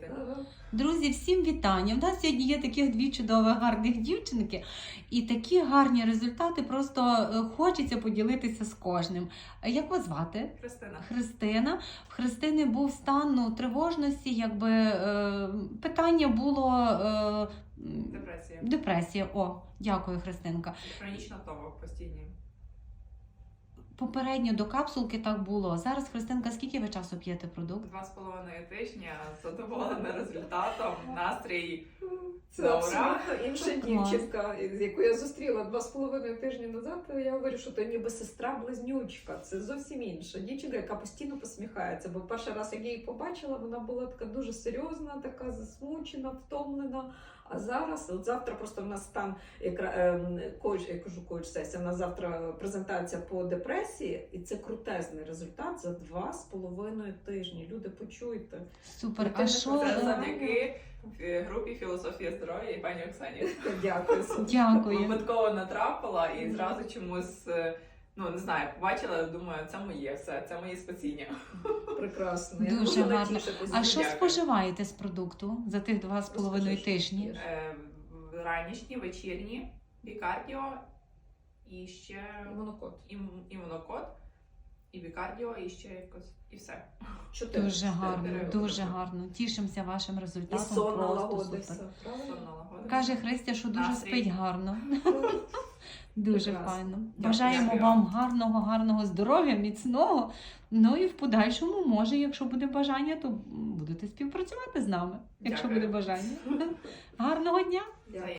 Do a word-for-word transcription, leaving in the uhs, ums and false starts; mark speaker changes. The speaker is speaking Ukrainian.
Speaker 1: робити.
Speaker 2: Друзі, всім вітання! У нас сьогодні є таких дві чудові, гарних дівчинки. І такі гарні результати, просто хочеться поділитися з кожним. Як вас звати?
Speaker 1: Христина.
Speaker 2: Христина. В Христини був стан ну, тривожності, якби е, питання було... Е,
Speaker 1: Депресія.
Speaker 2: Депресія. О, дякую, Христинка.
Speaker 1: Хронічна втома постійні.
Speaker 2: Попередньо до капсулки так було. Зараз, Христинка, скільки ви часу п'єте продукт?
Speaker 1: Два з половиною тижня, задоволена результатом, настрій.
Speaker 3: Це
Speaker 1: Добре.
Speaker 3: абсолютно інша
Speaker 2: Клас.
Speaker 3: дівчинка, з яку я зустріла два з половиною тижні назад. Я говорю, що то ніби сестра-близнючка. Це зовсім інша дівчинка, яка постійно посміхається. Бо перший раз, як я її побачила, вона була така дуже серйозна, така засмучена, втомлена. А зараз, от завтра просто в нас там коуч, я кажу, коуч-сесія, у нас завтра презентація по депресії, і це крутезний результат за два з половиною тижні. Люди, почуйте.
Speaker 2: Супер.
Speaker 3: Ти
Speaker 2: А
Speaker 3: не
Speaker 2: що...
Speaker 1: Це
Speaker 2: е,
Speaker 1: завдяки групі «Філософія здоров'я» і пані Оксані.
Speaker 3: Дякую.
Speaker 2: Дякую.
Speaker 1: Випадково натрапила і зразу чомусь, ну не знаю, побачила, думаю, це моє все, це моє спасіння.
Speaker 3: Прекрасно. Я
Speaker 2: Дуже гарно.
Speaker 3: натішитись.
Speaker 2: А що
Speaker 1: Дякую.
Speaker 2: споживаєте з продукту за тих два з половиною
Speaker 3: Розкажи, що
Speaker 2: тижні?
Speaker 3: п'єш.
Speaker 1: Е, Ранішні, вечірні, бікардіо і ще
Speaker 3: Монокот.
Speaker 1: ім, імунокод, і бікардіо, і ще якось, і все.
Speaker 3: Чотири.
Speaker 2: Дуже гарно,
Speaker 1: чотири.
Speaker 2: дуже гарно. Тішимося вашим
Speaker 3: І
Speaker 2: результатом.
Speaker 3: сон
Speaker 2: Просто
Speaker 3: налагодився.
Speaker 2: супер.
Speaker 3: Правильно?
Speaker 1: Сон налагодився.
Speaker 2: Каже Христя, що дуже
Speaker 1: Настрій.
Speaker 2: спить гарно. Дуже
Speaker 3: Прекрасно.
Speaker 2: файно.
Speaker 3: Дякую.
Speaker 2: Бажаємо
Speaker 1: Дякую.
Speaker 2: вам гарного, гарного здоров'я, міцного. Ну і в подальшому, може, якщо буде бажання, то будете співпрацювати з нами, якщо
Speaker 1: Дякую.
Speaker 2: буде бажання. Гарного дня!
Speaker 3: Дякую.